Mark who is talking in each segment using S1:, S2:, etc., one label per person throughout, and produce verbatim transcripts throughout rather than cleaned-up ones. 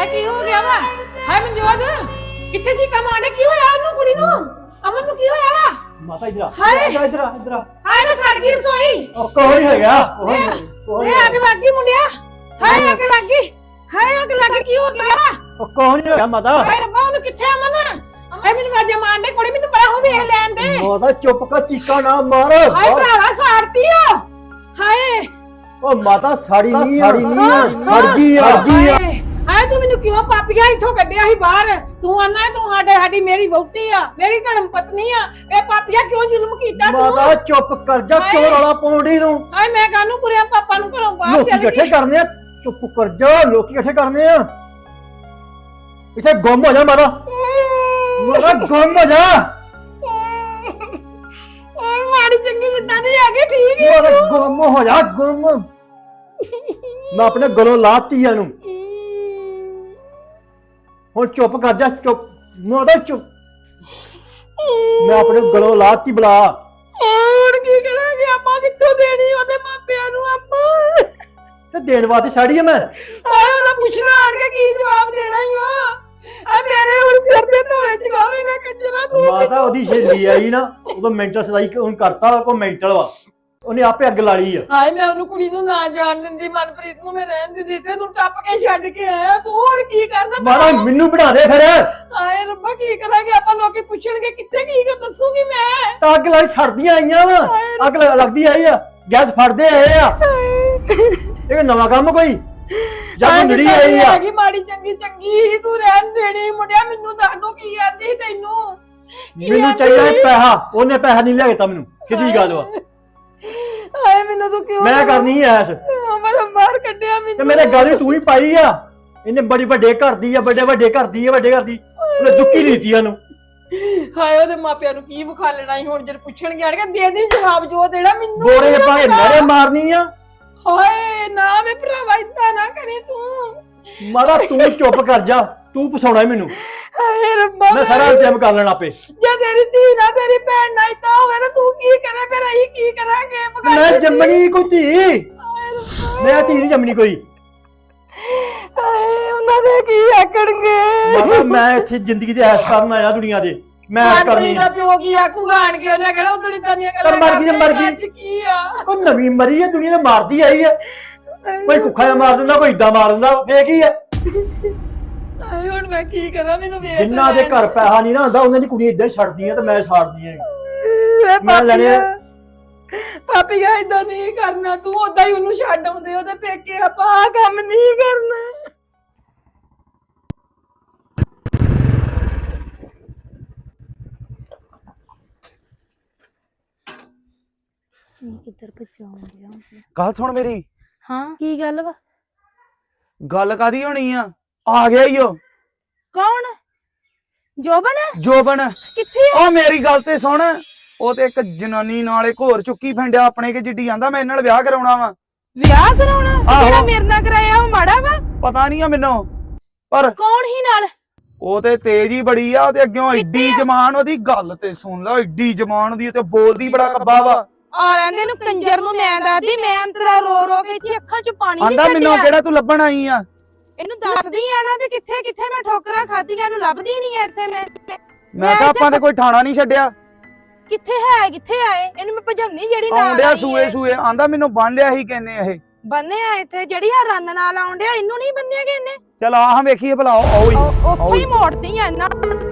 S1: ਕੀ ਹੋ ਗਿਆ ਵਾ? ਹਾਏ ਮਨਜੋਤ ਕਿੱਥੇ ਜੀ ਕਮ ਆਂਡੇ ਕੀ ਹੋਇਆ ਉਹਨੂੰ ਕੁੜੀ ਨੂੰ? ਅਮਨ ਨੂੰ ਕੀ ਹੋਇਆ ਵਾ?
S2: ਮਾਤਾ ਇਧਰ ਆ
S1: ਹਾਏ
S2: ਇਧਰ ਇਧਰ ਇਧਰ
S1: ਹਾਏ ਮੈਂ ਸੜ ਗਈ ਰਸੋਈ।
S2: ਉਹ ਕੋਈ ਹੋ ਗਿਆ ਕੋਈ
S1: ਏ ਅੱਗ ਲੱਗ ਗਈ ਮੁੰਡਿਆ। ਹਾਏ ਅੱਗ ਲੱਗ ਗਈ। ਹਾਏ ਅੱਗ ਲੱਗ ਗਈ ਕੀ ਹੋ ਗਿਆ ਵਾ?
S2: ਉਹ ਕੋਈ ਨਹੀਂ ਹੋਇਆ ਮਾਤਾ।
S1: ਹਾਏ ਰੱਬਾ ਉਹਨੂੰ ਕਿੱਥੇ ਅਮਨ? ਹਾਏ ਮੈਨੂੰ ਵਾਜੇ ਮਾਰਦੇ ਕੁੜੀ ਮੈਨੂੰ ਪਰਾਂ ਹੋ ਵੇਖ ਲੈਣ ਦੇ।
S2: ਮਾਤਾ ਚੁੱਪ ਕਰ ਚੀਕਾ ਨਾ ਮਾਰ।
S1: ਹਾਏ ਭਰਾਵਾ ਸਾੜਤੀ ਆ। ਹਾਏ
S2: ਉਹ ਮਾਤਾ ਸਾੜੀ ਨਹੀਂ ਸਾੜੀ ਨਹੀਂ ਸੜ ਗਈ ਆ ਸੜ ਗਈ ਆ।
S1: ਹਾਏ ਤੂੰ ਮੈਨੂੰ ਕਿਉਂ ਪਾਪੀਆ ਇੱਥੋਂ ਕੱਢਿਆ ਸੀ ਬਾਹਰ? ਤੂੰ ਆਨਾ ਤੂੰ ਸਾਡੇ ਸਾਡੀ ਮੇਰੀ ਵਹੁਟੀ ਆ ਮੇਰੀ ਧਰਮ ਪਤਨੀ ਆ। ਇਹ ਪਾਪੀਆ ਕਿਉਂ ਜ਼ੁਲਮ ਕੀਤਾ ਤੂੰ?
S2: ਮਾਤਾ ਚੁੱਪ ਕਰ ਜਾ ਕਿਉਂ ਰੌਲਾ ਪਾਉਂਦੀ ਨੂੰ?
S1: ਹਾਏ ਮੈਂ ਕਾਹਨੂੰ ਪੁਰਿਆ ਪਾਪਾ ਨੂੰ ਘਰੋਂ ਬਾਹਰ
S2: ਲੋਕੀ
S1: ਚੱਲ
S2: ਇਕੱਠੇ
S1: ਗਈ।
S2: ਕਰਨੇ ਆ ਚੁੱਪ ਕਰ ਜਾ ਲੋਕੀ ਇਕੱਠੇ ਕਰਨੇ ਆ ਇੱਥੇ ਗੁੰਮ ਹੋ ਜਾ ਮਾਤਾ ਮਾਤਾ ਗੁੰਮ ਹੋ ਜਾ
S1: ਓਏ ਮਾੜੀ ਚੰਗੀ ਜਿੱਦਾਂ ਦੀ ਆ ਗਈ ਠੀਕ ਹੈ
S2: ਮਾਤਾ ਗੁੰਮ ਹੋ ਜਾ ਗੁੰਮ। ਮੈਂ ਆਪਣੇ ਗਲੋਂ ਲਾਤੀ ਆ ਨੂੰ ਹੁਣ ਚੁੱਪ ਕਰ ਜਾ ਚੁੱਪ ਮਾਤਾ ਚੁੱਪ। ਮੈਂ ਆਪਣੇ ਗਲੋਂ ਲਾਤੀ ਬਲਾ।
S1: ਹੁਣ ਕੀ ਕਰਾਂਗੇ ਆਪਾਂ? ਕਿੱਥੋਂ ਦੇਣੀ ਉਹਦੇ ਮਾਪਿਆਂ ਨੂੰ ਆਪਾਂ?
S2: ਤੇ ਦੇਣ ਵਾਸਤੇ ਸਾੜੀ ਆ ਮੈਂ।
S1: ਹਾਏ ਉਹਦਾ ਪੁੱਛਣਾ ਆਣ ਕੇ ਕੀ ਜਵਾਬ ਦੇਣਾ ਹੀ ਆ? ਆ ਮੇਰੇ ਹੁਣ ਸਿਰ ਤੇ ਧੋਲੇ ਚਗਾਵੇਂਗਾ ਕੰਜਰਾ ਤੂੰ।
S2: ਮਾਤਾ ਉਹਦੀ ਸਹੇਲੀ ਆਈ ਨਾ ਉਦੋਂ ਮੈਂਟਲ ਸਦਾਈ ਹੁਣ ਕਰਤਾ ਕੋ ਮੈਂਟਲ ਵਾ ਉਹਨੇ ਆਪੇ ਅੱਗ ਲਾ ਲਈ ਆ।
S1: ਹਾਏ ਮੈਂ ਉਹਨੂੰ ਕੁੜੀ ਨੂੰ ਨਾ ਜਾਣ ਦਿੰਦੀ ਮਨਪ੍ਰੀਤ ਨੂੰ ਮੈਂ ਰਹਿਣ ਦਿੰਦੀ ਤੇ ਤੂੰ ਟੱਪ ਕੇ ਛੱਡ ਕੇ ਆਇਆ। ਤੂੰ ਹੁਣ ਕੀ ਕਰਨਾ?
S2: ਮਾਤਾ ਮੈਨੂੰ ਬਣਾ ਦੇ ਫਿਰ।
S1: ਹਾਏ ਰੱਬਾ ਕੀ ਕਰਾਂਗੇ ਆਪਾਂ? ਲੋਕੀ ਪੁੱਛਣਗੇ ਕਿੱਥੇ ਕੀ ਕਰ ਦੱਸੂਗੀ ਮੈਂ।
S2: ਤਾਂ ਅੱਗ ਲਾਈ ਛੱਡਦੀਆਂ ਆਈਆਂ ਵਾ ਅੱਗ ਲ- ਲੱਗਦੀ ਆਈ ਆ ਗੈਸ ਫੜਦੇ ਆਏ ਆ ਇਹ ਨਵਾਂ ਕੰਮ ਕੋਈ ਜਦ ਨੜੀ ਆਈ ਆ।
S1: ਹੈਗੀ ਮਾੜੀ ਚੰਗੀ ਚੰਗੀ ਤੂੰ ਰਹਿਣ ਦੇਣੀ ਮੁੰਡਿਆ। ਮੈਨੂੰ ਦੱਸ ਦੋ ਕੀ ਆਂਦੀ ਤੈਨੂੰ? ਕੀ
S2: ਮੈਨੂੰ
S1: ਆਂਦੀ?
S2: ਚਾਹੀਦਾ ਸੀ ਪੈਸਾ ਉਹਨੇ ਪੈਸਾ ਨਹੀਂ ਲਿਆ ਮੈਨੂੰ ਕਿਹਦੀ ਗੱਲ ਵਾ
S1: ਹਾਏ ਮੈਨੂੰ ਤੂੰ ਕਿਉਂ
S2: ਮੈਂ ਕਰਨੀ ਐਸ
S1: ਮੈਂ ਬਾਹਰ ਕੱਢਿਆ ਮੈਨੂੰ
S2: ਤੇ ਮੇਰੇ ਗਾਲੀ ਤੂੰ ਹੀ ਪਾਈ ਆ। ਇਹਨੇ ਬੜੀ ਵੱਡੇ ਘਰ ਦੀ ਆ ਵੱਡੇ ਵੱਡੇ ਘਰ ਦੀ ਆ ਵੱਡੇ ਘਰ ਦੀ ਉਹਨੇ ਦੁੱਕੀ ਲੀਤੀ ਉਹਨੂੰ।
S1: ਹਾਏ ਉਹਦੇ ਮਾਪਿਆਂ ਨੂੰ ਕੀ ਵਿਖਾ ਲੈਣਾ ਸੀ ਹੁਣ ਜਦ ਪੁੱਛਣਗੇ ਆਣਗੇ ਦੇ ਦੇ ਜਵਾਬ ਜੋ ਦੇਣਾ ਮੈਨੂੰ।
S2: ਬੋਰੇ ਪਾ ਕੇ ਨਰੇ ਮਾਰਨੀ ਆ।
S1: ਹਾਏ ਨਾ ਵੇ ਭਰਾਵਾ ਇਦਾਂ ਨਾ ਕਰੀ ਤੂੰ।
S2: ਮਾਤਾ ਤੂੰ ਚੁੱਪ ਕਰ ਜਾ ਤੂੰ ਫਸਾਉਣਾ ਮੈਨੂੰ।
S1: ਹਾਏ ਰੱਬਾ
S2: ਮੈਂ ਸਾਰਾ ਇੰਤਜ਼ਾਮ ਕਰ ਲੈਣਾ ਆਪੇ।
S1: ਜੇ ਤੇਰੀ ਧੀ ਨਾ ਤੇਰੀ ਭੈਣ ਨਾ ਇਦਾਂ ਹੋਵੇ ਤਾਂ ਤੂੰ ਕੀ ਕਰੇ? ਫਿਰ ਅਸੀਂ ਕੀ ਕਰਾਂਗੇ?
S2: ਮੈਂ ਜੰਮਣੀ ਕੋਈ ਧੀ ਮੈਂ ਧੀ ਨਹੀਂ ਜੰਮਣੀ ਕੋਈ।
S1: ਹਾਏ ਉਹਨਾਂ ਦੇ ਕੀ ਆਕਣਗੇ?
S2: ਮਾਤਾ ਮੈਂ ਇੱਥੇ ਜ਼ਿੰਦਗੀ ਦੇ ਐਸ਼ ਕਰਨ ਆਇਆ ਦੁਨੀਆ ਦੇ ਮੈਂ ਐਸ਼ ਕਰਨੀ
S1: ਦਾ
S2: ਆ।
S1: ਪਿਓ ਕੀ ਆਕੂਗਾ ਆਣ ਕੇ? ਉਹਨੇ ਕਿਹੜਾ ਉਦੋਂ ਇਦਾਂ ਦੀਆਂ
S2: ਪਰ ਮਰ ਗਈ ਤੇ ਮਰ ਗਈ।
S1: ਅੱਜ ਕੀ ਆ?
S2: ਕੋਈ ਨਵੀਂ ਮਰੀ ਹੈ ਦੁਨੀਆ ਤੇ ਮਾਰਦੀ ਆਈ ਹੈ। ਕੋਈ ਕੁੱਖਾ ਜਿਹਾ ਮਾਰ ਦਿੰਦਾ ਕੋਈ ਏਦਾਂ ਮਾਰ ਦਿੰਦਾ ਫੇਰ ਕੀ ਹੈ।
S1: ਹਾਏ ਹੁਣ ਮੈਂ ਕੀ ਕਰਾਂ? ਮੈਨੂੰ ਵੇਖ
S2: ਜਿੰਨਾ ਦੇ ਘਰ ਪੈਸਾ ਨਹੀਂ ਨਾ ਹੁੰਦਾ ਉਹਨਾਂ ਦੀ ਕੁੜੀ ਏਦਾਂ ਹੀ ਛੱਡਦੀਆਂ ਤੇ ਮੈਂ ਛੱਡਦੀ ਆ।
S1: ਮੈਂ
S2: ਮੈਂ ਲੈਣੇ ਆ।
S1: ਪਾਪੀਆ ਇਦਾਂ ਨਹੀਂ ਕਰਨਾ ਤੂੰ। ਉਦਾਂ ਹੀ ਉਹਨੂੰ ਛੱਡ ਆਉਂਦੇ ਉਹਦੇ ਪੇਕੇ। ਆਪਾਂ ਆਹ ਕੰਮ ਨਹੀਂ ਕਰਨਾ।
S3: ਕਿੱਧਰ ਭਜਾਉਂ ਗਿਆ?
S4: ਗੱਲ ਸੁਣ ਮੇਰੀ।
S3: ਹਾਂ ਕੀ ਗੱਲ ਵਾ?
S4: ਗੱਲ ਕਾਦੀ ਹੋਣੀ ਆ? ਆ ਗਿਆ ਈ ਉਹ
S3: ਕੌਣ? ਜੋਬਨ?
S4: ਜੋਬਨ।
S3: ਕਿੱਥੇ ਆ?
S4: ਉਹ ਮੇਰੀ ਗੱਲ ਤੇ ਸੁਣ। ਉਹ ਤੇ ਇੱਕ ਜਨਾਨੀ ਨਾਲ ਇੱਕ ਹੋਰ ਚੁੱਕੀ ਫੰਡਿਆ ਆਪਣੇ ਕੇ ਜਿੱਡੀ ਆਂਦਾ ਮੈਂ ਇਹਨਾਂ ਨਾਲ ਵਿਆਹ ਕਰਾਉਣਾ ਵਾ।
S3: ਵਿਆਹ ਕਰਾਉਣਾ?
S4: ਆਹੋ।
S3: ਜਿਹੜਾ ਮੇਰੇ ਨਾਲ ਕਰਾਇਆ ਉਹ ਮਾੜਾ ਵਾ?
S4: ਪਤਾ ਨਹੀਂ ਆ ਮੈਨੂੰ ਪਰ
S3: ਕੌਣ ਹੀ ਨਾਲ?
S4: ਉਹ ਤੇ ਤੇਜ਼ ਹੀ ਬੜੀ ਆ। ਉਹਦੇ ਅੱਗਿਓਂ ਏਡੀ ਜ਼ਬਾਨ ਉਹਦੀ। ਗੱਲ ਤੇ ਸੁਣ ਲੈ ਏਡੀ ਜ਼ਬਾਨ ਦੀ ਤੇ ਬੋਲਦੀ ਬੜਾ ਕੱਬਾ ਵਾ।
S3: ਆ ਲੈਂਦੇ ਨੂੰ ਕੰਜਰ ਨੂੰ। ਮੈਂ ਦੱਸਦੀ ਮੈਂ ਅੰਤਰਾ ਰੋ ਰੋ ਕੇ ਇੱਥੇ ਅੱਖਾਂ 'ਚ ਪਾਣੀ ਨਹੀਂ
S4: ਆਂਦਾ ਮੈਨੂੰ
S3: ਛੱਡਿਆ।
S4: ਕਿਹੜਾ ਤੂੰ ਲੱਭਣ ਆਈ ਆ?
S3: ਇਹਨੂੰ ਦੱਸਦੀ ਆ ਨਾ ਵੀ ਕਿੱਥੇ ਕਿੱਥੇ ਮੈਂ ਠੋਕਰਾਂ ਖਾਧੀਆਂ। ਇਹਨੂੰ ਲੱਭਦੀ ਨਹੀਂ ਇੱਥੇ ਮੈਂ।
S4: ਮੈਂ ਤਾਂ ਆਪਾਂ ਤੇ ਕੋਈ ਠਾਣਾ ਨਹੀਂ ਛੱਡਿਆ।
S3: ਕਿੱਥੇ ਹੈ ਕਿੱਥੇ ਆਏ? ਇਹਨੂੰ ਮੈਂ ਭਜਾਉਣੀ ਜਿਹੜੀ ਨਾਲ
S4: ਆਉਂਦਿਆ
S3: ਆਈ
S4: ਸੂਏ
S3: ਹੈ।
S4: ਸੂਏ ਆਂਦਾ ਮੈਨੂੰ ਬੰਨ ਲਿਆ ਹੀ ਕਹਿੰਨੇ ਇਹ।
S3: ਬੰਨੇ ਆ ਇੱਥੇ ਜਿਹੜੀ ਆ ਰੰਨ ਨਾਲ ਆਉਂਦਿਆ ਇਹਨੂੰ ਨਹੀਂ ਬੰਨਿਆ ਕਿ ਇਹਨੇ?
S4: ਚਲ ਆਹ ਵੇਖੀਏ ਭਲਾ ਆਓ ਹੀ
S3: ਉਹ- ਉੱਥੋਂ ਹੀ ਮੋੜਦੀ ਆ ਇਹਨਾਂ।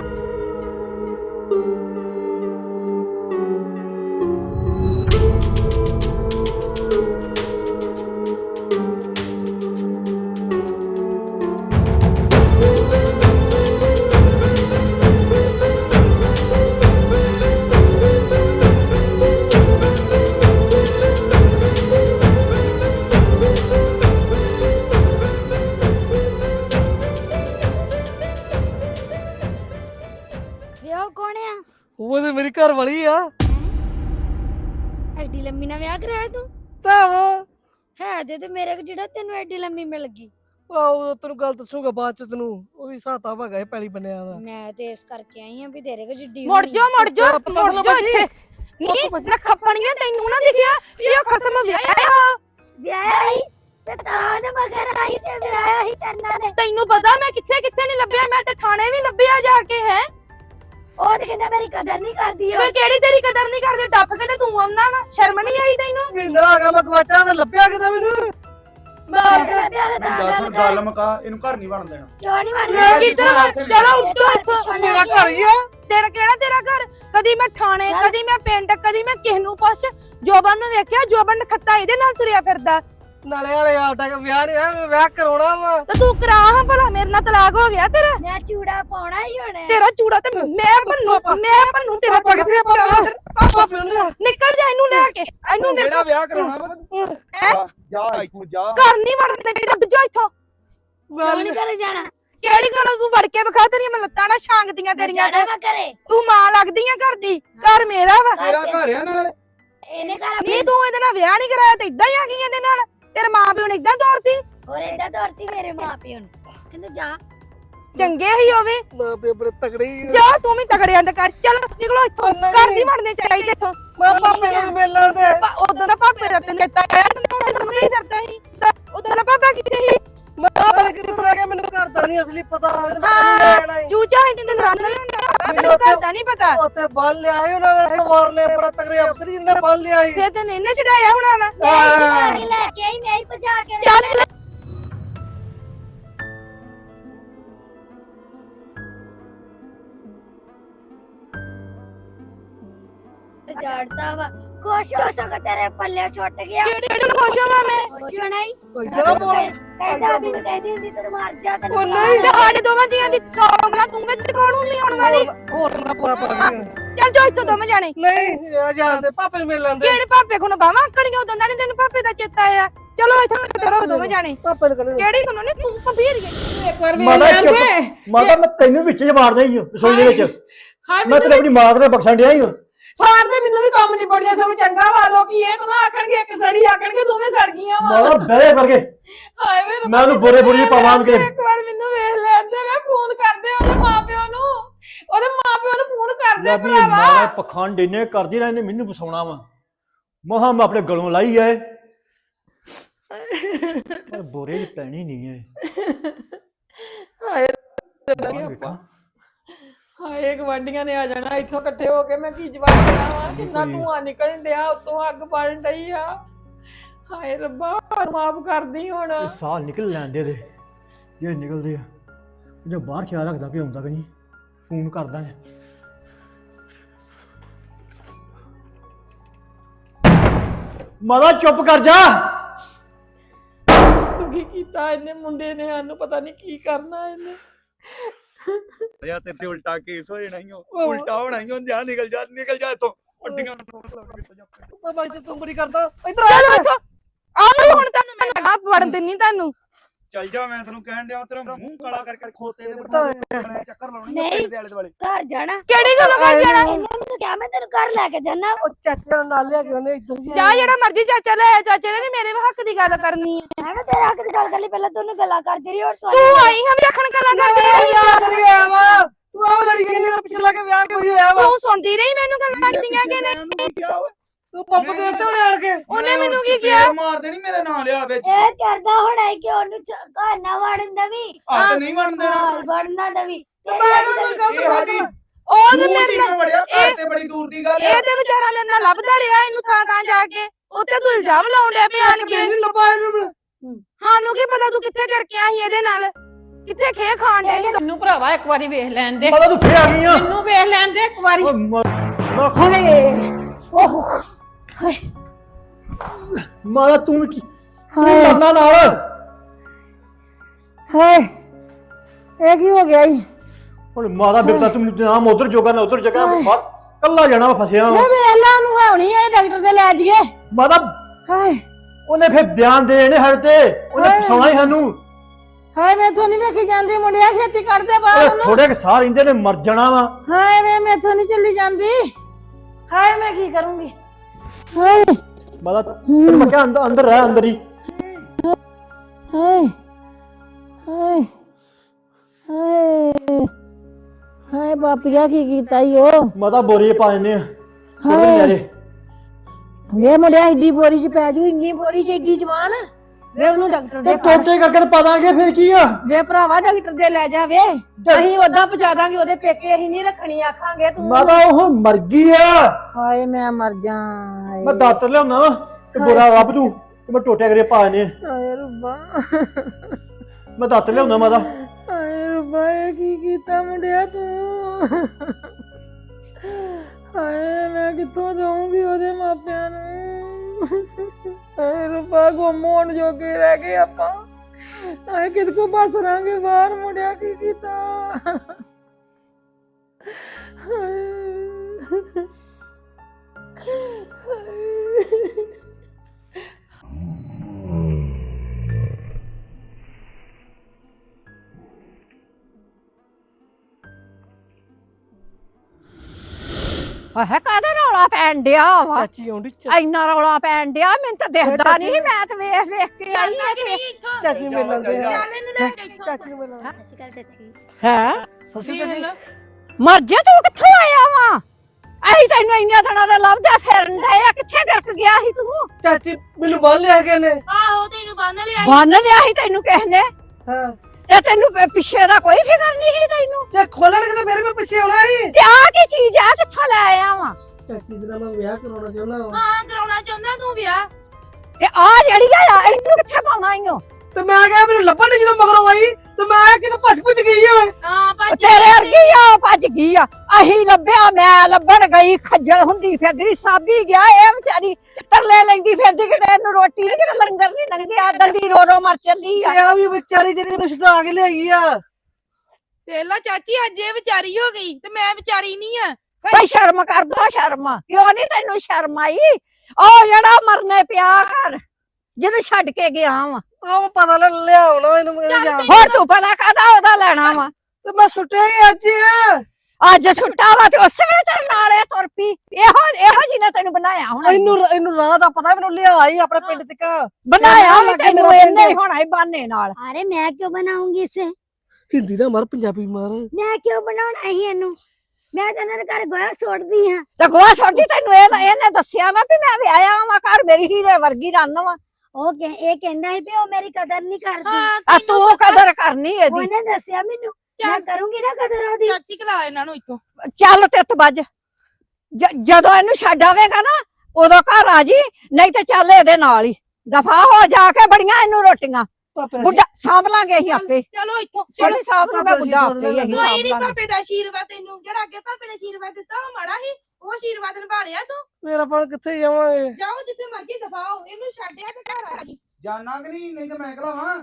S5: ਉਹ ਤੇ ਮੇਰੀ ਘਰ ਵਾਲੀ ਆ।
S6: ਐਡੀ ਲੰਮੀ ਨਾ ਵਿਆਹ ਕਰਾਇਆ ਤੂੰ?
S5: ਤਾਂ ਵਾ
S6: ਹੈ ਦੇ ਤੇ ਮੇਰੇ ਕੋ ਜਿਹੜਾ ਤੈਨੂੰ ਐਡੀ ਲੰਮੀ ਮਿਲ ਗਈ।
S5: ਆਹ ਤੈਨੂੰ ਗੱਲ ਦੱਸੂਗਾ ਬਾਅਦ ਚ ਤੈਨੂੰ। ਉਹ ਵੀ ਸਾਤਾ ਵਗਾ ਹੈ ਪੈਲੀ ਬੰਨਿਆ ਦਾ।
S6: ਮੈਂ ਤੇ ਇਸ ਕਰਕੇ ਆਈ ਆ ਵੀ ਤੇਰੇ ਕੋ ਜਿੱਡੀ
S3: ਮੁੜ ਜਾ ਮੁੜ ਜਾ
S5: ਪਤਾ
S3: ਮੁੜ
S5: ਨਾ
S3: ਜਾ
S5: ਬੱਜੀ।
S3: ਇੱਥੇ। ਨਹੀਂ ਨਾ ਖੱਪਣੀਆਂ ਤੈਨੂੰ ਨਾ ਦਿਖਿਆ ਵੀ ਉਹ ਖਸਮ ਵਿਆਹਿਆ।
S6: ਵਿਆਹ ਆਈ ਤੇ ਤਾਂ ਦੇ ਮਗਰ ਆਈ ਤੇ ਵਿਆਹ ਹੀ ਕਰਨਾ ਨੇ।
S3: ਤੈਨੂੰ ਪਤਾ ਮੈਂ ਕਿੱਥੇ ਕਿੱਥੇ ਨਹੀਂ ਲੱਭਿਆ, ਮੈਂ ਤੇ ਥਾਣੇ ਵੀ ਲੱਭਿਆ ਜਾ ਕੇ ਹੈ।
S6: ਉਹ ਤੇ ਕਹਿੰਦਾ ਮੇਰੀ ਕਦਰ ਨਹੀਂ ਕਰਦੀ ਉਹ।
S3: ਮੈਂ ਕਿਹੜੀ ਤੇਰੀ ਕਦਰ ਨਹੀਂ ਕਰਦੀ, ਟੱਪ ਕੇ ਤੇ ਤੂੰ ਆਉਣਾ ਵਾ, ਸ਼ਰਮ ਨਹੀਂ ਆਈ ਤੈਨੂੰ?
S5: ਮਹੀਨਾ ਆ ਗਿਆ ਮੈਂ ਗਵਾਚਾ ਤੇ ਲੱਭਿਆ ਕਿਤੇ ਮੈਨੂੰ। ਮੈਂ ਆ ਕੇ
S4: ਗੱਲ ਸੁਣ, ਗੱਲ ਮੁਕਾ, ਇਹਨੂੰ ਘਰ ਨਹੀਂ ਬਣ ਦੇਣਾ।
S6: ਕਿਉਂ ਨਹੀਂ
S3: ਮੈਂ
S6: ਬਣਦੀ?
S3: ਕਿੱਧਰ ਵੜ- ਚਲੋ ਉੱਠੋ ਇੱਥੋਂ।
S5: ਮੇਰਾ ਘਰ ਹੀ ਆ।
S3: ਤੇਰਾ ਕਿਹੜਾ ਤੇਰਾ ਘਰ? ਕਦੀ ਮੈਂ ਥਾਣੇ, ਕਦੀ ਮੈਂ ਪਿੰਡ, ਕਦੀ ਮੈਂ ਕਿਸ ਨੂੰ ਪੁੱਛ। ਜੋਬਨ ਨੂੰ ਵੇਖਿਆ, ਜੋਬਨ ਨਖੱਤਾ ਇਹਦੇ ਨਾਲ ਤੁਰਿਆ ਫਿਰਦਾ।
S5: ਨਾਲੇ ਵਾਲੇ ਆਟਾ ਦਾ ਵਿਆਹ ਨਹੀਂ ਹੋਇਆ, ਵਿਆਹ ਕਰਾਉਣਾ ਵਾ।
S3: ਤੇ ਤੂੰ ਕਰਾ ਹਾਂ ਭਲਾ, ਮੇਰੇ ਨਾਲ ਤਲਾਕ ਹੋ ਗਿਆ ਤੇਰਾ।
S6: ਮੈਂ ਚੂੜਾ ਪਾਉਣਾ ਹੀ ਹੁਣ।
S3: ਤੇਰਾ ਚੂੜਾ ਤੇ ਮੈਂ ਭੰਨੂ, ਮੈਂ ਭੰਨੂ ਤੇਰਾ
S5: ਪਾਪਾ ਕਿੱਥੇ ਆ ਪਾਪਾ? ਪਾਪਾ ਪਿੰਡ ਆ।
S3: ਨਿਕਲ ਜਾ ਇਹਨੂੰ ਲੈ ਕੇ, ਇਹਨੂੰ ਮੇਰੇ
S4: ਜਿਹੜਾ ਵਿਆਹ ਕਰਾਉਣਾ ਵਾ
S3: ਹੈਂ?
S4: ਜਾ ਇੱਥੋਂ ਜਾ।
S3: ਘਰ ਨਹੀਂ ਵੜਨ ਦੇ, ਰੱਬ ਜੋ ਇੱਥੋਂ।
S6: ਕਿਉਂ ਨਹੀਂ ਘਰੇ ਜਾਣਾ?
S3: ਕਿਹੜੀ ਗੱਲ ਤੂੰ ਵੜ ਕੇ ਵਿਖਾ, ਤੇਰੀਆਂ ਮੈਂ ਲੱਤਾਂ ਨਾ ਛਾਂਗਦੀਆਂ ਤੇਰੀਆਂ।
S6: ਜਾਣਾ ਵਾ ਘਰੇ।
S3: ਤੂੰ ਮਾਂ ਲੱਗਦੀ ਆ ਘਰ ਦੀ, ਘਰ ਮੇਰਾ ਵਾ।
S4: ਤੇਰਾ ਘਰ ਆ ਨਾਲੇ।
S6: ਇਹਨੇ ਘਰ
S3: ਨਹੀਂ ਤੂੰ ਇਹਦੇ ਨਾਲ ਵਿਆਹ ਨਹੀਂ ਕਰਾਇਆ ਤੇ ਇਦਾਂ ਹੀ ਆ ਗਈ ਇਹਦੇ ਨਾਲ। ਤੇਰੇ ਮਾਂ ਪਿਓ ਨੇ ਇਦਾਂ ਤੋਰਤੀ।
S6: ਹੋਰ ਏਦਾਂ ਦੌੜਤੀ ਮੇਰੇ ਮਾਪਿਓ ਨੇ। ਕਹਿੰਦੇ ਜਾ।
S3: ਚੰਗੇ ਹੀ ਹੋਵੇ।
S5: ਮਾਂ ਪਿਓ ਬੜੇ ਤਗੜੇ ਹੀ ਆ।
S3: ਜਾ ਤੂੰ ਵੀ ਤਗੜਿਆਂ ਦੇ ਕਰ, ਚੱਲ ਨਿਕਲੋ ਇੱਥੋਂ। ਘਰ ਨਹੀਂ ਵੜਨੇ ਚਾਹੀਦੇ ਇੱਥੋਂ।
S5: ਮੈਂ ਪਾਪੇ ਨੂੰ ਮਿਲ ਲੈਂਦੇ।
S3: ਉਦੋਂ ਦਾ ਪਾਪੇ ਦਾ ਤੈਨੂੰ ਦਿੱਤਾ ਗਿਆ, ਤੈਨੂੰ ਨਹੀਂ ਕਰਦਾ ਸੀ। ਉਦੋਂ ਦਾ ਪਾਪਾ ਕਿੱਥੇ ਸੀ?
S5: ਮੈਂ ਪਾਪੇ ਕਿੱਥੇ ਰਹਿ ਗਿਆ ਮੈਨੂੰ ਘਰ ਦਾ ਨਹੀਂ ਅਸਲੀ ਪਤਾ।
S3: ਹਾਂ ਚੂਚਾ ਹੀ ਤੈਨੂੰ ਰੰਨ ਲੈਂਦਾ, ਮੈਨੂੰ ਘਰ ਦਾ ਨਹੀਂ ਪਤਾ।
S5: ਉੱਥੇ ਬੰਨ ਲਿਆ ਸੀ ਉਹਨਾਂ ਨੇ, ਵਾਰ ਨੇ ਬੜਾ ਤਗੜੇ ਅਫਸਰ ਜੀ ਨੇ ਬੰਨ ਲਿਆ ਸੀ।
S3: ਫੇਰ ਤੈਨੂੰ ਇਹਨੇ ਛਡਾਇਆ ਹੋਣਾ ਵਾ।
S6: ਮੈਂ ਛੁਡਾ ਕੇ ਲੈ ਕੇ ਆਈ, ਮੈਂ ਹੀ ਭਜਾ ਕੇ ਲੈ
S3: ਚੱਲ
S6: ਜਾੜਦਾ ਵਾ। ਖੁਸ਼ ਹੋ ਸਕਦਾ ਤੇਰੇ ਪੱਲੇ ਛੁੱਟ ਗਿਆ।
S3: ਕਿਹੜੇ ਨੂੰ ਖੁਸ਼ ਹੋਵਾਂ ਮੈਂ?
S6: ਖੁਸ਼ ਹੋਣਾ ਹੀ।
S5: ਇਧਰ ਬੋਲ।
S6: ਕਹਿੰਦਾ ਮੈਨੂੰ ਕਹਿੰਦੀ ਹੁੰਦੀ ਤੂੰ ਮਰ ਜਾ ਤੈਨੂੰ।
S5: ਉਹ ਨਹੀਂ।
S3: ਤੇ ਸਾਡੇ ਦੋਵਾਂ ਜੀਆਂ ਦੀ ਚੌਗਲਾ ਤੂੰ ਵਿੱਚ ਕੌਣ ਹੁੰਦੀ ਆਉਣ ਵਾਲੀ?
S5: ਹੋਰ ਨਾ ਪੂਰਾ ਪਾ ਦੇ।
S3: ਚੱਲ ਜਾ ਇੱਥੋਂ ਦੋਵੇਂ ਜਾਣੇ।
S5: ਨਹੀਂ ਆ ਜਾਂਦੇ ਪਾਪੇ ਨੂੰ ਮਿਲ ਲੈਂਦੇ।
S3: ਕਿਹੜੇ ਪਾਪੇ ਕੋਲ ਬਾਵਾਂ ਆਕੜੀਆਂ, ਉਦੋਂ ਦਾ ਨੀ ਤੈਨੂੰ ਪਾਪੇ ਦਾ ਚੇਤਾ ਆਇਆ। ਚਲੋ ਇੱਥੋਂ ਕਰੋ ਦੋਵੇਂ ਜਾਣੇ।
S5: ਪਾਪੇ ਨੂੰ ਕਹਿੰਦੇ
S3: ਕਿਹੜੀ ਕੋਲ ਨਹੀਂ ਤੂੰ ਪੰਭੀਰ ਗਈ।
S1: ਇੱਕ ਵਾਰ ਵੇਖ
S2: ਮਾਤਾ
S1: ਲੈਂਦੇ।
S2: ਚੁੱਪ, ਮਾਤਾ ਮੈਂ ਤੈਨੂੰ ਵਿੱਚ ਹੀ ਮਾਰਦਾ ਹੀ ਹਾਂ ਰਸੋਈ ਦੇ ਵਿੱਚ।
S1: ਹਾਏ
S2: ਮੈਂ ਤੇਰੇ ਆਪਣੀ ਮਾਂ ਦੇ ਬਖਸ਼ਣ ਡਿਆ ਹੀ ਹਾਂ।
S1: ਸਾਰ ਦੇ ਮੈਨੂੰ ਵੀ ਕੰਮ ਨਹੀਂ ਬੜੀਆਂ ਸਭ ਚੰਗਾ ਵਾ। ਲੋਕੀ ਇਹ ਤਾਂ ਨਾ ਆਖਣਗੇ ਇੱਕ ਸੜੀ ਆਖਣਗੇ ਦੋਵੇਂ ਸੜ ਗਈਆਂ ਵਾ।
S2: ਮਾਤਾ ਬਹਿ ਕਰਕੇ
S1: ਹਾਏ ਵੇ ਰੱਬਾ,
S2: ਮੈਂ ਉਹਨੂੰ ਬੁਰੇ ਬੁਰੀ ਪਾਵਾਂਗੇ।
S1: ਇੱਕ ਵਾਰ ਮੈਨੂੰ ਵੇਖ ਲੈਂਦੇ, ਮੈਂ ਫੋਨ ਕਰਦੇ ਉਹਦੇ ਮਾਪਿਓ ਨੂੰ, ਉਹਦੇ ਮਾਪਿਓ ਨੂੰ ਫੋਨ ਕਰਦੇ
S2: ਮੈਂ ਵੀ ਮਾਰਾ
S1: ਭਰਾਵਾ।
S2: ਪਖੰਡ ਇਹਨੇ ਕਰਦੀ ਰਹਿੰਦੇ, ਮੈਨੂੰ ਫਸਾਉਣਾ ਵਾ। ਮਹਾ ਮੈਂ ਆਪਣੇ ਗਲੋਂ ਲਾਈ ਐ, ਪਰ ਬੋਰੇ ਚ ਪੈਣੀ ਨਹੀਂ ਐ।
S1: ਹਾਏ
S2: ਬਾਹਰ ਵੇਖਾਂ।
S1: ਹਾਏ ਗਵਾਂਡੀਆਂ ਨੇ ਆ ਜਾਣਾ ਇੱਥੋਂ ਇਕੱਠੇ ਹੋ ਕੇ, ਮੈਂ ਕੀ ਜਵਾਬ ਦੇਣਾ ਵਾ? ਕਿੰਨਾ ਧੂਆਂ ਨਿਕਲਣ ਡਿਆ, ਉੱਤੋਂ ਅੱਗ ਬਲਣ ਡਈ ਆ। ਹਾਏ ਰੱਬਾ ਮਾਫ ਕਰਦੀ ਹੁਣ।
S2: ਇਹ ਸਾਲ ਨਿਕਲ ਲੈਂਦੇ ਦੇ ਜੇ ਨਿਕਲਦੇ ਆ। ਇਹਨੇ ਬਾਹਰ ਖਿਆਲ ਰੱਖਦਾ ਕਿ ਆਉਂਦਾ ਕਿ ਨਹੀਂ, ਫੋਨ ਕਰਦਾ ਹੈ। ਮਾਤਾ ਚੁੱਪ ਕਰ ਜਾ।
S1: ਤੂੰ ਕੀ ਕੀਤਾ ਇਹਨੇ ਮੁੰਡੇ ਨੇ? ਸਾਨੂੰ ਪਤਾ ਨਹੀਂ ਕੀ ਕਰਨਾ ਇਹਨੇ।
S4: ਯਾ ਤੇਰੇ ਤੇ ਉਲਟਾ ਕੇਸ ਹੋ ਜਾਣਾ ਹੀ ਉਹ। ਉਲਟਾ ਹੋਣਾ ਹੀ ਉਹ। ਜਾ ਨਿਕਲ ਜਾ, ਨਿਕਲ ਜਾ ਇੱਥੋਂ। ਵੱਡੀਆਂ
S5: ਪਾਪਾ ਇੱਥੇ ਤੂੰ ਬੜੀ ਕਰਦਾ। ਇੱਧਰ
S3: ਚਲੋ
S5: ਆ।
S3: ਇੱਥੋਂ ਆਹ ਹੁਣ ਤੁਹਾਨੂੰ ਮੈਂ ਆਪ ਵੜਨ ਦਿੰਨੀ ਤੁਹਾਨੂੰ।
S4: ਚੱਲ ਜਾ, ਮੈਂ ਤੈਨੂੰ ਕਹਿਣ ਡਿਆ ਤੇਰਾ ਮੂੰਹ ਕਾਲਾ ਕਰਕੇ ਖੋਤੇ ਦੇ ਬਿਠਾ ਚੱਕਰ ਲਾਉਣੀ
S6: ਨਹੀਂ।
S4: ਦੇ ਆਲੇ ਦੁਆਲੇ।
S6: ਘਰ ਜਾਣਾ।
S3: ਕਿਹੜੀ ਗੱਲ ਕਰ ਜਾਣਾ?
S6: ਇਹਨੇ ਮੈਨੂੰ ਕਿਹਾ ਮੈਂ ਤੈਨੂੰ ਘਰ ਲੈ ਕੇ ਜਾਣਾ।
S5: ਉਹ ਚਾਚਾ ਨਾਲ ਲਿਆ ਕੇ ਉਹਨੇ ਇੱਧਰ ਜੀ
S3: ਜਾ ਜਿਹੜਾ ਮਰਜੀ ਚਾਚਾ ਲੈ ਆ, ਚਾਚੇ ਨੇ ਵੀ ਮੇਰੇ ਹੱਕ ਦੀ ਗੱਲ ਕਰਨੀ ਹੈ।
S6: ਮੈਂ ਤੇਰੇ ਹੱਕ ਦੀ ਗੱਲ ਕਰ ਲਈ, ਪਹਿਲਾਂ ਤੂੰ ਉਹਨੂੰ ਗੱਲਾਂ ਕਰਦੀ ਰਹੀ। ਹੋਰ ਤੂੰ
S3: ਤੂੰ ਆਈ ਹਾਂ ਵੀ ਆਖਣ ਗੱਲਾਂ ਕਰਦੀ ਰਹੀ ਆ।
S5: ਸਰੀ ਆਇਆ ਵਾ। ਤੂੰ ਆਹ ਲੜੀ ਗਈ ਨੇ ਪਿਛਲਾ ਕੇ ਵਿਆਹ ਕਿਉਂ ਹੋਇਆ ਵਾ?
S3: ਤੂੰ ਸੁਣਦੀ ਰਹੀ ਮੈਨੂੰ ਗੱਲਾਂ ਕਰਦੀਆਂ ਕਿ ਨਹੀਂ?
S4: ਉਹਨੂੰ ਕਿਹਾ ਓਏ,
S5: ਤੂੰ ਪੰਪ ਦੇ ਉੱਤੇ ਉਹਨੇ ਆਣ ਕੇ
S3: ਉਹਨੇ ਮੈਨੂੰ ਕੀ
S4: ਚਪੇੜ
S3: ਕਿਹਾ?
S4: ਮਾਰ ਦੇਣੀ ਮੇਰੇ ਨਾਂ ਲਿਆ ਵਿੱਚ।
S6: ਇਹ ਕਰਦਾ ਹੋਣਾ ਹੈ ਕਿ ਉਹਨੂੰ ਚ- ਘਰ ਨਾ ਵੜਨ ਦਵੀ।
S4: ਆ ਤੇ ਨਹੀਂ ਬਣ ਦੇਣਾ।
S6: ਘਰ ਵੜਨਾ ਦਵੀ।
S5: ਤੇ ਮੈਂ ਉਹਨੂੰ ਕੋਈ ਗਲਤ
S4: ਇਹ ਸਾਡੀ
S3: ਉਹ ਤੇ
S4: ਦੂਰ
S3: ਮੇਰੇ
S4: ਦੀ
S3: ਨਾਲ
S4: ਨਾ ਵੜਿਆ, ਘਰ ਤੇ ਬੜੀ ਦੂਰ ਦੀ ਗੱਲ ਆ।
S3: ਇਹ ਤੇ ਵਿਚਾਰਾ ਮੇਰੇ ਨਾਲ ਲੱਭਦਾ ਰਿਹਾ ਇਹਨੂੰ ਥਾਂ ਥਾਂ ਜਾ ਕੇ। ਉੱਤੇ ਤੂੰ ਇਲਜ਼ਾਮ ਲਾਉਣ ਡਿਆ ਪਿਆ ਆਣ ਕੇ।
S5: ਨਹੀਂ ਲੱਭਾ ਇਹਨੂੰ।
S3: ਸਾਨੂੰ ਕੀ ਪਤਾ ਤੂੰ ਕਿੱਥੇ ਕਰਕੇ ਆਈ ਇਹਦੇ ਨਾਲ, ਕਿੱਥੇ ਖੇ ਖਾਣ ਡਿਆ ਸੀ।
S1: ਮੈਨੂੰ ਭਰਾਵਾ ਇੱਕ ਵਾਰੀ ਵੇਖ ਲੈਣ ਦੇ।
S2: ਮਾਤਾ ਤੂੰ ਫੇਰ ਆ ਗਈ ਆ।
S1: ਮੈਨੂੰ ਵੇਖ ਲੈਣ ਦੇ ਇੱਕ ਵਾਰੀ।
S2: ਓਏ ਮਾਤਾ ਮਾਤਾ ਤੂੰ ਕੀ ਤੂੰ ਮਰਨਾ ਨਾਲ।
S1: ਹਾਏ ਇਹ ਕੀ ਹੋ ਗਿਆ ਈ?
S2: ਹੁਣ ਮਾਤਾ ਬਿਪਤਾ ਤੂੰ ਮੈਨੂੰ ਨਾਮ ਉਧਰ ਜੋਗਾ ਨਾ ਉਧਰ ਜਗ੍ਹਾ ਬਾਹਰ ਕੱਲਾ ਜਾਣਾ ਵਾ, ਫਸਿਆ
S1: ਮੈਂ
S2: ਵਾ।
S1: ਵੇਖ ਲਾ ਉਹਨੂੰ ਹੋਣੀ ਹੈ ਡਾਕਟਰ ਦੇ ਲੈ ਜਾਈਏ।
S2: ਮਾਤਾ
S1: ਹਾਏ
S2: ਉਹਨੇ ਫੇਰ ਬਿਆਨ ਦੇਣੇ ਸਾਡੇ ਤੇ, ਉਹਨੇ ਫਸਾਉਣਾ ਹੀ ਸਾਨੂੰ।
S1: ਹਾਏ ਮੈਥੋਂ ਨਹੀਂ ਵੇਖੀ ਜਾਂਦੀ, ਮੁੰਡਿਆ ਛੇਤੀ ਕਰਦੇ ਬਾਹਰ ਉਹਨੂੰ।
S2: ਥੋੜੇ ਕਿ ਸਾਹ ਰਹਿੰਦੇ ਨੇ, ਮਰ ਜਾਣਾ ਵਾ।
S1: ਹਾਏ ਵੇ ਮੈਥੋਂ ਨਹੀਂ ਚੱਲੀ ਜਾਂਦੀ। ਹਾਏ ਮੈਂ ਕੀ ਕਰੂੰਗੀ? ਹਾਏ
S2: ਮਾਤਾ ਤੈਨੂੰ ਮੈਂ ਕਿਹਾ ਅੰਦਰ ਅੰਦਰ ਰਹਿ, ਅੰਦਰ ਹੀ।
S1: ਹਾਏ ਹਾਏ ਹਾਏ ਹਾਏ ਬਾਪੀਆ ਕੀ ਕੀਤਾ ਈ ਉਹ?
S2: ਮਾਤਾ ਬੋਰੀ ਪਾ ਦਿੰਦੇ ਆ ਛੋਟੇ ਨਿਆਰੇ।
S1: ਇਹ ਮੁੰਡਿਆ ਏਡੀ ਬੋਰੀ ਚ ਪੈ ਜੂ, ਇੰਨੀ ਬੋਰੀ ਚ ਏਡੀ ਜਵਾਨ।
S3: ਵੇ ਉਹਨੂੰ ਡਾਕਟਰ
S2: ਤੇ
S3: ਦੇ ਪਾ
S2: ਟੋਟੇ ਕਰਕੇ ਪਾ ਦਾਂਗੇ ਫਿਰ ਕੀ ਆ
S3: ਵੇ ਭਰਾਵਾ ਡਾਕਟਰ ਦੇ ਲੈ ਜਾ ਵੇ ਅਸੀਂ ਉਦਾਂ ਪਹੁੰਚਾ ਦਾਂਗੇ ਉਹਦੇ ਪੇਕੇ ਅਸੀਂ ਨਹੀਂ ਰੱਖਣੀ ਆਖਾਂਗੇ ਤੂੰ
S2: ਮਾਤਾ ਉਹ ਮਰ ਗਈ ਆ
S3: ਹਾਏ ਮੈਂ ਮਰ ਜਾ
S2: ਮੈਂ ਦਾਤਰ ਲਿਆਉਣਾ ਤੇ ਬੁਰਾ ਰੱਬ ਤੂੰ ਤੇ ਮੈਂ ਟੋਟੇ ਕਰੇ ਪਾਣੇ
S1: ਹਾਏ ਰੱਬਾ
S2: ਮੈਂ ਦਾਤਰ ਲਿਆਉਣਾ ਮਾਤਾ
S1: ਹਾਏ ਰੱਬਾ ਇਹ ਕੀ ਕੀਤਾ ਮੁੰਡਿਆ ਤੂੰ ਹਾਏ ਮੈਂ ਕਿੱਥੋਂ ਜਾਊਂਗੀ ਉਹਦੇ ਮਾਪਿਆਂ ਨੂੰ ਹਾਏ ਰੱਬਾ ਗੁੰਮ ਹੋਣ ਜੋਗੇ ਰਹਿ ਗਏ ਆਪਾਂ ਹਾਏ ਕਿਦ ਕੋ ਬਸ ਰਾਂਗੇ ਬਾਹਰ ਮੁੰਡਿਆ ਕੀ ਕੀਤਾ ਹਾਏ
S3: ਆਹ ਕਾਹਦਾ ਰੌਲਾ ਪੈਣ ਡਿਆ ਵਾ
S5: ਚਾਚੀ ਆਉਂਦੀ ਚਾ-
S3: ਇੰਨਾ ਰੌਲਾ ਪੈਣ ਡਿਆ ਮੈਨੂੰ ਤਾਂ ਦਿਖਦਾ ਨਹੀਂ ਮੈਂ ਤਾਂ ਵੇਖ ਵੇਖ ਕੇ ਆਈ ਆ ਤੇ
S5: ਚਾਚੀ ਮਿਲ ਲੈਂਦੇ ਆ
S3: ਚੱਲ ਇਹਨੂੰ ਲੈ ਕੇ ਇੱਥੋਂ।
S5: ਚਾਚੀ ਨੂੰ ਮਿਲ ਲੈਂਦੇ
S6: ਸਤਿ ਸ਼੍ਰੀ ਅਕਾਲ ਚਾਚੀ
S3: ਹੈ
S5: ਸਸੀ ਚਾਚੀ
S3: ਮਰ ਜਾ ਤੂੰ ਕਿੱਥੋਂ ਆਇਆ ਵਾ ਅਸੀਂ ਤੈਨੂੰ ਇੰਨਾ ਥਣਾ ਦਾ ਲੱਭਦਾ ਫਿਰਨ ਡਿਆ ਕਿੱਥੇ ਗਰਕ ਗਿਆ ਸੀ ਤੂੰ
S5: ਚਾਚੀ ਮੈਨੂੰ ਬੰਨ ਲਿਆ ਕੇ ਨੇ
S3: ਆਹੋ ਤੈਨੂੰ ਬੰਨ ਲਿਆ ਬੰਨ ਲਿਆ ਸੀ ਤੈਨੂੰ ਕਿਸ ਨੇ
S5: ਹਾਂ
S3: ਤੇ ਤੈਨੂੰ ਪ- ਪਿੱਛੇ ਦਾ ਕੋਈ ਫਿਕਰ ਨਹੀਂ ਸੀ ਤੈਨੂੰ
S5: ਤੇ ਖੋਲਣਗੇ ਤਾਂ ਫਿਰ ਮੈਂ ਪਿੱਛੇ ਆਉਣਾ ਸੀ
S3: ਤੇ ਆ ਕੀ ਚੀਜ਼ ਆ ਕਿੱਥੋਂ ਲੈ ਆਇਆ ਵਾ
S5: ਚਾਚੀ ਦੇ ਨਾਲ ਮੈਂ ਵਿਆਹ ਕਰਾਉਣਾ ਚਾਹੁੰਦਾ ਹਾਂ
S3: ਹਾਂ ਕਰਾਉਣਾ ਚਾਹੁੰਦਾ ਤੂੰ ਵਿਆਹ ਤੇ ਆ ਜਿਹੜੀ ਆ ਇਹਨੂੰ ਕਿੱਥੇ ਪਾਉਣਾ ਈਓ
S5: ਤੇ ਮੈਂ ਕਿਹਾ ਮੈਨੂੰ ਲੱਭਣ ਨਹੀਂ ਜਦੋਂ ਮਗਰੋਂ ਆਈ ਤੇ ਮੈਂ ਕਿਤੇ ਭੱਜ ਭੁੱਜ ਗਈ ਓਏ
S3: ਹਾਂ ਭੱਜ ਤੇਰੇ ਵਰਗੀ ਆ ਭੱਜ ਗਈ ਆ ਅਹੀਂ ਲੱਭਿਆ ਮੈਂ ਲੱਭਣ ਗਈ ਖੱਜਲ ਹੁੰਦੀ ਫਿਰਦੀ ਸਾਬੀ ਗਿਆ ਇਹ ਵਿਚਾਰੀ ਤਰਲੇ ਲੈਂਦੀ ਫਿਰਦੀ ਕਿ ਇਹਨੂੰ ਰੋਟੀ ਨਹੀਂ ਕਿ ਲੰਗਰ ਨਹੀਂ ਲੰਗਿਆ ਦੰਦੀ ਰੋ ਰੋ ਮਰ ਚੱਲੀ ਆ
S5: ਤੇ ਆ ਵੀ ਵਿਚਾਰੀ ਜਿਹੜੀ ਰਿਸ਼ਤਾ ਆ ਕੇ ਲਿਆਈ ਆ
S3: ਪਹਿਲਾਂ ਚਾਚੀ ਅੱਜ ਇਹ ਵਿਚਾਰੀ ਹੋ ਗਈ ਤੇ ਮੈਂ ਵਿਚਾਰੀ ਨਹੀਂ ਆ ਭਾਈ ਸ਼ਰਮ ਕਰ ਦੋ ਸ਼ਰਮ ਕਿਉਂ ਨਹੀਂ ਤੈਨੂੰ ਸ਼ਰਮ ਆਈ ਉਹ ਜਿਹੜਾ ਮਰਨੇ ਪਿਆ ਘਰ ਜਿਹਨੂੰ ਛੱਡ ਕੇ ਗਿਆ ਵਾ
S5: ਉਹ ਪਤਾ ਲੈ ਲਿਆਉਣਾ ਇਹਨੂੰ ਮੇਰੇ ਜਾਨ
S3: ਹੋਰ ਤੂੰ ਪਤਾ ਕਾਹਦਾ ਉਹਦਾ ਲੈਣਾ ਵਾ
S5: ਤੇ ਮੈਂ ਸੁੱਟਿਆ ਹੀ ਅੱਜ ਆ
S3: ਅੱਜ ਸੁੱਟਾ ਵਾ ਤੇ ਉਸ ਵੇਲੇ ਤੇਰੇ ਨਾਲ ਇਹ ਤੁਰ ਪਈ ਇਹੋ ਇਹੋ ਜੀ ਨੇ ਤੈਨੂੰ ਬਣਾਇਆ ਹੋਣਾ
S5: ਇਹਨੂੰ ਇਹਨੂੰ ਰਾਹ ਦਾ ਪਤਾ ਮੈਨੂੰ ਲਿਆ ਹੀ ਆਪਣੇ ਪਿੰਡ ਤੱਕ
S3: ਬਣਾਇਆ ਵੀ
S5: ਲੱਗੇ
S3: ਤੈਨੂੰ
S5: ਮੇਰਾ
S3: ਇੰਨੇ ਹੀ
S5: ਪਿੰਡ।
S3: ਹੋਣਾ ਹੀ ਬਾਨੇ ਨਾਲ
S6: अरे मैं क्यों बनाऊंगी इसे
S5: ਹਿੰਦੀ ਦਾ ਮਰ ਪੰਜਾਬੀ ਮਾਰ
S6: मैं क्यों बनाना ही ਇਹਨੂੰ ਮੈਂ ਤਾਂ ਇਹਨਾਂ ਦੇ ਘਰ ਗੋਇਆ ਸੁੱਟਦੀ ਹਾਂ
S3: ਤੇ ਗੋਆ ਛੱਡੀ ਤੈਨੂੰ ਇਹ ਇਹਨੇ ਦੱਸਿਆ ਨਾ ਵੀ ਮੈਂ ਵਿਆਹਿਆ ਵਾਂ ਘਰ ਮੇਰੀ ਹੀਰੇ ਵਰਗੀ ਰੰਨ ਵਾ
S6: ਉਹ ਕਹਿ- ਇਹ ਕਹਿੰਦਾ ਸੀ ਵੀ ਉਹ ਮੇਰੀ ਕਦਰ ਨਹੀਂ ਕਰਦੀ
S3: ਆ ਤੂੰ ਕਦਰ ਕਰਨੀ ਇਹਦੀ
S6: ਉਹਨੇ ਦੱਸਿਆ ਮੈਨੂੰ ਮੈਂ ਕਰੂੰਗੀ ਨਾ ਕਦਰ ਉਹਦੀ
S3: ਚਾਚੀ ਕਲਾ ਇਹਨਾਂ ਨੂੰ ਇੱਥੋਂ ਚੱਲ ਤੇ ਤੂੰ ਵੱਜ ਜ- ਜਦੋਂ ਇਹਨੂੰ ਛੱਡ ਆਵੇਂਗਾ ਨਾ ਉਦੋਂ ਘਰ ਆ ਜੀ ਨਹੀਂ ਤੇ ਚੱਲ ਇਹਦੇ ਨਾਲ ਹੀ ਦਫਾ ਹੋ ਜਾ ਕੇ ਬੜੀਆਂ ਇਹਨੂੰ ਰੋਟੀਆਂ
S5: ਪਾਪੇ
S3: ਬੁੱਢਾ ਸਾਂਭ ਲਾਂਗੇ ਅਸੀਂ ਆਪੇ
S7: ਚਲੋ ਇੱਥੋਂ
S3: ਚਲੀ ਸਾਂਭ ਨੂੰ ਮੈਂ ਬੁੱਢਾ ਆਪੇ ਹੀ ਅਸੀਂ
S7: ਕੋਈ
S3: ਸਾਂਭ
S7: ਨਹੀਂ
S3: ਲਾਂਗੇ
S7: ਪਾਪੇ ਦਾ ਆਸ਼ੀਰਵਾਦ ਤੈਨੂੰ ਜਿਹੜਾ ਅੱਗੇ ਪਾਪੇ ਨੇ ਆਸ਼ੀਰਵਾਦ ਦਿੱਤਾ ਉਹ ਮਾੜਾ ਸੀ ਉਹ ਆਸ਼ੀਰਵਾਦ ਨਿਭਾਲਿਆ ਤੂੰ
S5: ਮੇਰਾ ਪਣ ਕਿੱਥੇ ਜਾਵਾਂਗੇ
S7: ਜਾਓ ਜਿੱਥੇ ਮਰਜ਼ੀ ਦਫਾਓ ਇਹਨੂੰ ਛੱਡਿਆ ਤੇ ਘਰ ਆ ਜੀ
S4: ਜਾਨਾ ਕਿ ਨਹੀਂ ਨਹੀਂ ਤੇ ਮੈਂ ਕਲਾਵਾਂ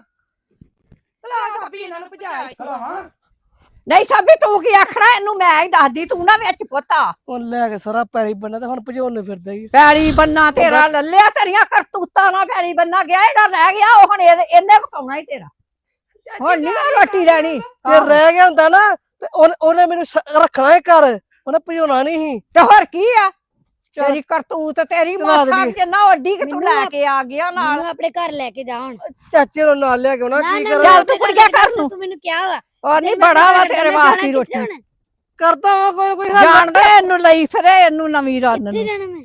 S7: ਭਲਾ ਸਾਬੀ ਇਹਨਾਂ ਨੂੰ ਭਜਾ
S4: ਕਲਾਵਾਂ
S3: ਨਹੀਂ ਸਾਬੀ ਤੂੰ ਕੀ ਆਖਣਾ ਇਹਨੂੰ ਮੈਂ ਹੀ ਦੱਸਦੀ ਤੂੰ ਨਾ ਵਿੱਚ ਪੁੱਤਾ
S5: ਉਹ ਲੈ ਕੇ ਸਾਰਾ ਪੈਲੀ ਬੰਨਾ ਤੇ ਹੁਣ ਭਜਾਉਣ ਫਿਰਦਾ ਹੀ
S3: ਪੈਲੀ ਬੰਨਾ ਤੇਰਾ ਲੱਲਿਆ ਤੇਰੀਆਂ ਕਰਤੂਤਾਂ ਨਾਲ ਪੈਲੀ ਬੰਨਾ ਗਿਆ ਇਹਦਾ ਰਹਿ ਗਿਆ ਉਹ ਹੁਣ ਇਹਦੇ- ਇਹਨੇ ਪਕਾਉਣਾ ਹੀ ਤੇਰਾ ਹੁਣ ਨਹੀਂ ਉਹ ਰੋਟੀ ਲੈਣੀ
S5: ਜੇ ਰਹਿ ਗਿਆ ਹੁੰਦਾ ਨਾ ਤੇ ਉਹਨੇ- ਉਹਨੇ ਮੈਨੂੰ ਸ- ਰੱਖਣਾ ਹੀ ਘਰ ਉਹਨੇ ਭਜਾਉਣਾ ਨਹੀਂ ਸੀ
S3: ਤੇ ਹੋਰ ਕੀ ਆ
S5: ਚੱਲ।
S3: ਤੇਰੀ ਕਰਤੂਤ ਤੇਰੀ
S5: ਚਲਾ
S3: ਮਾਸਾ
S5: ਦੇਈਏ।
S3: ਜਿੰਨਾ ਵੱਡੀ ਕਿ ਤੂੰ
S6: ਮੈਨੂੰ
S3: ਲੈ
S6: ਆਪ-
S3: ਕੇ ਆ ਗਿਆ ਨਾਲ
S6: ਮੈਨੂੰ ਆਪਣੇ ਘਰ ਲੈ ਕੇ ਜਾ ਹੁਣ
S5: ਚਾਚੇ ਨੂੰ ਨਾਲ ਲਿਆ ਕੇ ਉਹਨਾਂ
S6: ਨਾ
S5: ਕੀ
S6: ਨਾ
S5: ਕਰਾਂ
S3: ਚੱਲ
S6: ਮੈਂ
S3: ਤੂੰ
S6: ਆਪਣੇ
S3: ਕੁੜੀਆਂ
S6: ਘਰ
S3: ਕਰ ਨੂੰ।
S6: ਤੂੰ ਮੈਨੂੰ ਕਿਹਾ ਵਾ
S3: ਉਹ ਨਹੀਂ
S6: ਜੇ ਮੈਂ
S3: ਬੜਾ ਵਾ
S6: ਆਪਣੇ
S3: ਤੇਰੇ
S6: ਘਰ
S3: ਵਾਸਤੇ
S6: ਜਾਣਾ,
S3: ਰੋਟੀ
S6: ਕਿੱਥੇ ਜਾਣਾ?
S5: ਕਰਦਾ ਵਾ ਕੋਈ ਕੋਈ ਹੱਲ
S3: ਜਾਣਦੇ ਇਹਨੂੰ ਲਈ ਫਿਰੇ ਇਹਨੂੰ ਨਵੀਂ ਰੰਨ
S6: ਕਿੱਥੇ
S3: ਨੂੰ
S6: ਜਾਣਾ ਮੈਂ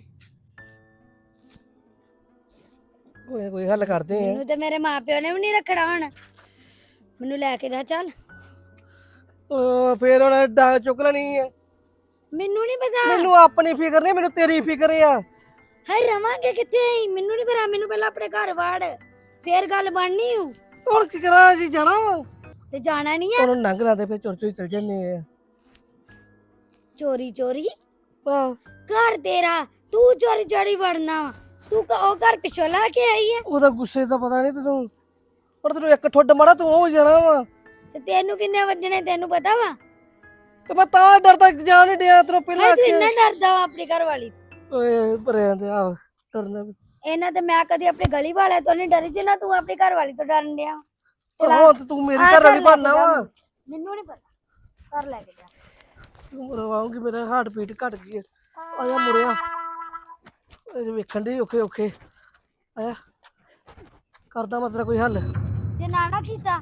S5: ਕੋਈ ਕੋਈ ਹੱਲ ਕਰਦੇ ਆ
S6: ਮੈਨੂੰ ਤੇ ਮੇਰੇ ਮਾਪਿਓ ਨੇ ਵੀ ਨਹੀਂ ਰੱਖਣਾ ਹੁਣ ਮੈਨੂੰ ਲੈ ਕੇ ਜਾ ਚੱਲ
S5: ਉਹ ਫੇਰ ਉਹਨੇ ਡਾਂਗ ਚੁੱਕ ਲੈਣੀ ਆ
S6: ਮੈਨੂੰ ਨਹੀਂ ਪਤਾ
S5: ਮੈਨੂੰ ਆਪਣੀ ਫਿਕਰ ਨਹੀਂ ਮੈਨੂੰ ਤੇਰੀ ਫਿਕਰ ਆ
S6: ਹਾਏ ਰਵਾਂਗੇ ਕਿੱਥੇ ਅਸੀਂ? ਮੈਨੂੰ ਨਹੀਂ ਪਤਾ ਮੈਨੂੰ ਪਹਿਲਾਂ ਆਪਣੇ ਘਰ ਵਾੜ ਫੇਰ ਗੱਲ ਬਣਨੀ ਹੂੰ
S5: ਹੁਣ ਕੀ ਕਰਾਂ ਜੀ ਜਾਣਾ ਵਾ
S6: ਤੇ ਜਾਣਾ ਨਹੀਂ ਆ
S5: ਉਹਨੂੰ ਨੰਗ ਲਾਦੇ ਫੇਰ ਚੁਰ ਚੁਰ ਚਲ ਜੰਨੇ ਆ
S6: ਚੋਰੀ ਚੋਰੀ
S5: ਆਹ,
S6: ਘਰ ਤੇਰਾ ਤੂੰ ਚੋਰੀ ਚੋਰੀ ਵੜਨਾ ਵਾ। ਤੂੰ ਕ- ਉਹ ਘਰ ਪਿਛੋਂ ਲਾ ਕੇ ਆਈ ਆ
S5: ਉਹਦਾ ਗੁੱਸੇ ਦਾ ਪਤਾ ਨਹੀਂ ਤੈਨੂੰ ਪਰ ਤੈਨੂੰ ਇੱਕ ਠੁੱਡ ਮਾੜਾ ਤੂੰ ਹੋ ਜਾਣਾ ਵਾ
S6: ਤੇ ਤੈਨੂੰ ਕਿੰਨੇ ਵੱਜਣੇ ਤੈਨੂੰ ਪਤਾ ਵਾ
S5: ਤੇ ਮੈਂ ਤਾਂ ਡਰਦਾ ਜਾਣ ਨਹੀਂ ਡਿਆ ਤੈਨੂੰ ਪਹਿਲਾਂ
S6: ਹਾਏ ਤੂੰ
S5: ਆਖਿਆ।
S6: ਇੰਨਾ ਡਰਦਾ ਵਾ ਆਪਣੀ ਘਰ ਵਾਲੀ ਤੋਂ।
S5: ਓਏ ਭਰਿਆ ਤੇ ਆ ਡਰਨਾ ਵੀ
S6: ਇਹਨਾਂ ਤੇ ਮੈਂ ਕਦੀ ਆਪਣੀ ਗਲੀ ਵਾਲਿਆਂ ਤੋਂ ਨਹੀਂ ਡਰੀ ਜਿੰਨਾ ਤੂੰ ਆਪਣੀ ਘਰ ਵਾਲੀ ਤੋਂ ਡਰਨ ਡਿਆ
S5: ਚਲਾ ਹੁਣ ਤੇ ਤੂੰ ਮੇਰੀ ਘਰ ਵਾਲੀ ਬਣਨਾ ਵਾ
S6: ਮੈਨੂੰ ਨਹੀਂ ਪਤਾ ਘਰ ਲੈ ਕੇ ਜਾ
S5: ਤੂੰ ਰਵਾਉਂਗੀ ਮੇਰਾ ਹਾਰਟ ਬੀਟ ਘਟ ਗਈ ਆ ਆਇਆ ਮੁੜਿਆ ਇਹ ਵੇਖਣ ਦੇ ਔਖੇ ਔਖੇ ਆਇਆ ਕਰਦਾ ਮੈਂ ਤੇਰਾ ਕੋਈ ਹੱਲ
S6: ਜੇ ਨਾ ਨਾ ਕੀਤਾ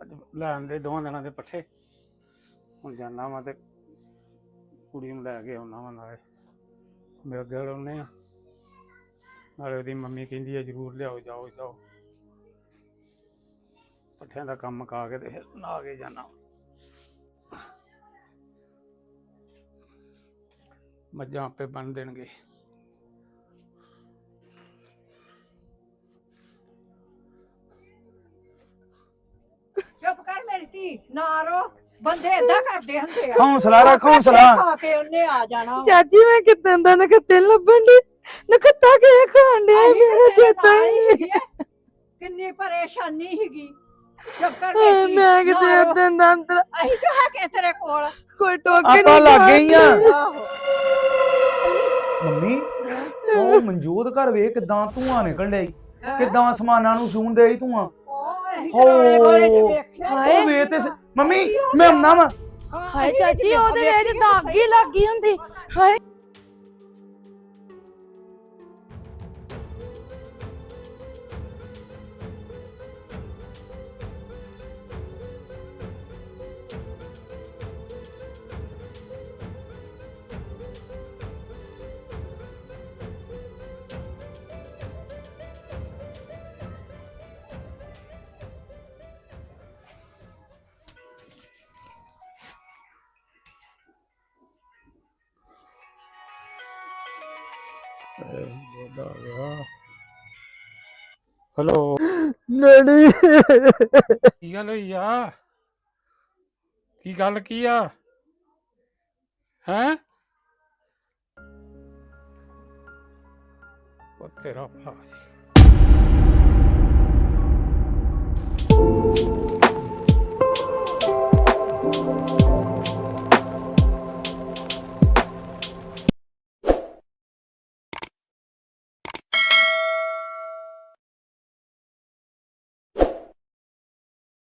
S8: ਅੱਜ ਲੈਣ ਦੇ ਦੋਵਾਂ ਦਿਨਾਂ ਦੇ ਪੱਠੇ ਹੁਣ ਜਾਣਾ ਵਾ ਤੇ ਕੁੜੀ ਨੂੰ ਲੈ ਕੇ ਆਉਣਾ ਵਾ ਨਾਲੇ ਮੇਰੇ ਗਲ ਆਉਨੇ ਆ ਨਾਲੇ ਉਹਦੀ ਮੰਮੀ ਕਹਿੰਦੀ ਆ ਜ਼ਰੂਰ ਲਿਆਓ ਜਾਓ ਜਾਓ ਪੱਠਿਆਂ ਦਾ ਕੰਮ ਮੁਕਾ ਕੇ ਤੇ ਫਿਰ ਨਾ ਕੇ ਜਾਣਾ ਮੱਝਾਂ ਆਪੇ ਬੰਨ ਦੇਣਗੇ
S3: ਚੁੱਪ ਕਰ ਮੇਰੀ ਧੀ ਨਾ ਰੋ ਬੰਦੇ ਏਦਾਂ ਕਰਦੇ ਹੁੰਦੇ ਆ
S4: ਹੌਸਲਾ ਰੱਖ ਹੌਸਲਾ
S3: ਖਾ ਕੇ ਉਹਨੇ ਆ ਜਾਣਾ
S1: ਚਾਚੀ ਮੈਂ ਕਿਤੇ ਦਾ ਨਖੱਤੇ ਲੱਭਣ ਦੀ ਨਖੱਤਾ ਕੇ ਖਾਣ ਡਿਆ
S3: ਅਸੀਂ
S1: ਮੇਰਾ
S3: ਤੇਰੇ
S1: ਚੇਤਾ
S3: ਨਾਲ
S1: ਹੀ
S3: ਹੀ ਆ। ਕਿੰਨੀ ਪਰੇਸ਼ਾਨੀ ਸੀਗੀ ਚੁੱਪ ਕਰ
S1: ਹਾਏ,
S3: ਮੇਰੀ ਧੀ,
S1: ਮੈਂ ਕਿਤੇ
S3: ਨਾ ਰੋ।
S1: ਏਦਾਂ ਦਾ ਅੰਦਰ
S3: ਅਸੀਂ ਤਾਂ ਹੈਗੇ ਤੇਰੇ ਕੋਲ
S1: ਕੋਈ ਟੋਕੇ
S4: ਆਪਾਂ ਲੱਗ ਗਏ ਆ
S3: ਆਹੋ
S2: ਮੰਮੀ ਉਹ ਮਨਜੋਤ ਘਰ ਵੇਖ ਕਿਦਾਂ ਧੂਆਂ ਨਿਕਲ ਡਿਆ ਈ। ਕਿਦਾਂ ਅਸਮਾਨਾਂ ਨੂੰ ਛੂਣ ਡਿਆ ਈ ਧੂਆਂ
S3: ਹਾਏ
S2: ਉਹ ਵੇਖ ਤੇ ਸ- ਮੰਮੀ ਮੈਂ ਆਉਣਾ ਵਾ
S1: ਹਾਏ ਚਾਚੀ ਉਹਦੇ ਵਿੱਚ ਤਾਂ ਅੱਗ ਹੀ ਲੱਗੀ ਹੁੰਦੀ ਹਾਏ
S8: ਹੈਲੋ
S2: ਡੈਡੀ
S8: ਕੀ ਗੱਲ ਹੋਈ ਆ ਕੀ ਗੱਲ ਕੀ ਆ ਹੈਂ ਉਹ ਤੇਰਾ ਭਲਾ ਜੀ